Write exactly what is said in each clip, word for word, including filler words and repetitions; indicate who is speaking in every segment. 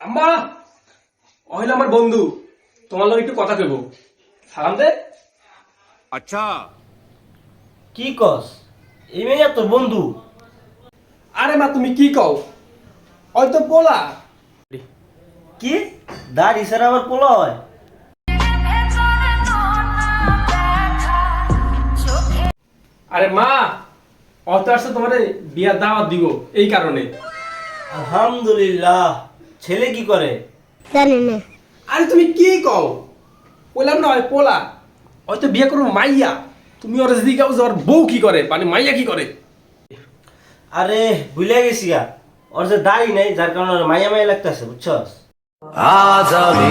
Speaker 1: আম্মা ওইলা আমার বন্ধু তোমার লগে একটু কথা কইব সালাম দে।
Speaker 2: আচ্ছা
Speaker 3: কি কস এই মেয়ে তোর বন্ধু?
Speaker 1: আরে মা তুমি কি কও ওই তো পোলা।
Speaker 3: কি দাড়ি ছাড়া আবার পোলা হয়?
Speaker 1: আরে মা ও তো আসছে তোমার বিয়ার দাওয়াত দিব এই কারণে।
Speaker 3: আলহামদুলিল্লাহ। ছেলে কি করে?
Speaker 4: জানি না।
Speaker 1: আরে তুমি কি কও বললাম না ওই পোলা ওই তো বিয়ে করবো মাইয়া। তুমি ওর যদি কাউ ওর বউ কি করে মানে মাইয়া কি করে?
Speaker 3: আরে ভুলে গেছি গা, ওর যে দাড়ি নাই যার কারণে ওর মাইয়া মাইয়া লাগতেছে, বুঝছস?
Speaker 2: আজ আমি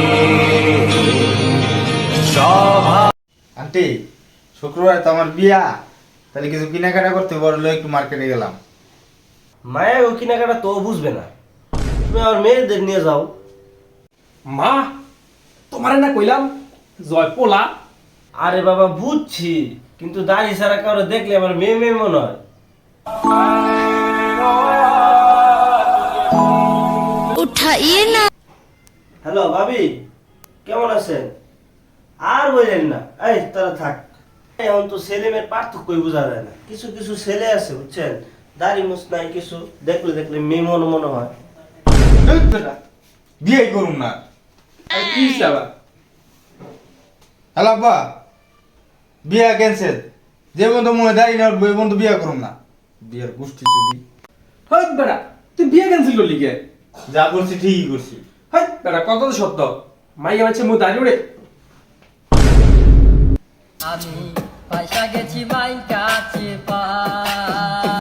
Speaker 5: আন্টি শুক্রবার তো আমার বিয়া, তাহলে কিছু কেনাকাটা করতে বললো, একটু মার্কেটে গেলাম।
Speaker 3: মায়া ও কেনাকাটা তো বুঝবে না, তুমি আমার মেয়েদের নিয়ে যাও।
Speaker 1: মা তোমারে না কইলাম জয় পোলা।
Speaker 3: আরে বাবা বুঝছি, কিন্তু দাড়ি ছাড়া কারো দেখলে আমার মেয়ে মেয়ে মনে হয়।
Speaker 4: উঠাইয়ে না।
Speaker 3: হ্যালো ভাবি, কেমন আছেন? আর বললেন না, এই তারা থাক। এখন তো ছেলে মেয়ের পার্থক্যই বোঝা যায় না। কিছু কিছু ছেলে আছে বুঝছেন, দাড়ি মুছ নাই কিছু, দেখলে দেখলে মেয়ে মনে মনে হয়।
Speaker 5: বিয়ে করুন না।
Speaker 1: আরে কি হইছে আবার?
Speaker 5: হ্যালো আব্বা, বিয়া ক্যান্সেল। যে বন্ধু মনে দাঁড়িয়ে না ওই বন্ধু বিয়া করুন না। বিয়ের গোষ্ঠী চুরি।
Speaker 1: হই বেটা তুই বিয়ে ক্যান্সেল করলি কে?
Speaker 5: যা করছি ঠিকই করছি।
Speaker 1: হই বেটা কত তো সত্য মাইয়া মানছে মু দাঁড়িয়ে উড়ে।
Speaker 6: আমি পয়সা গেছি মাই কাছে পা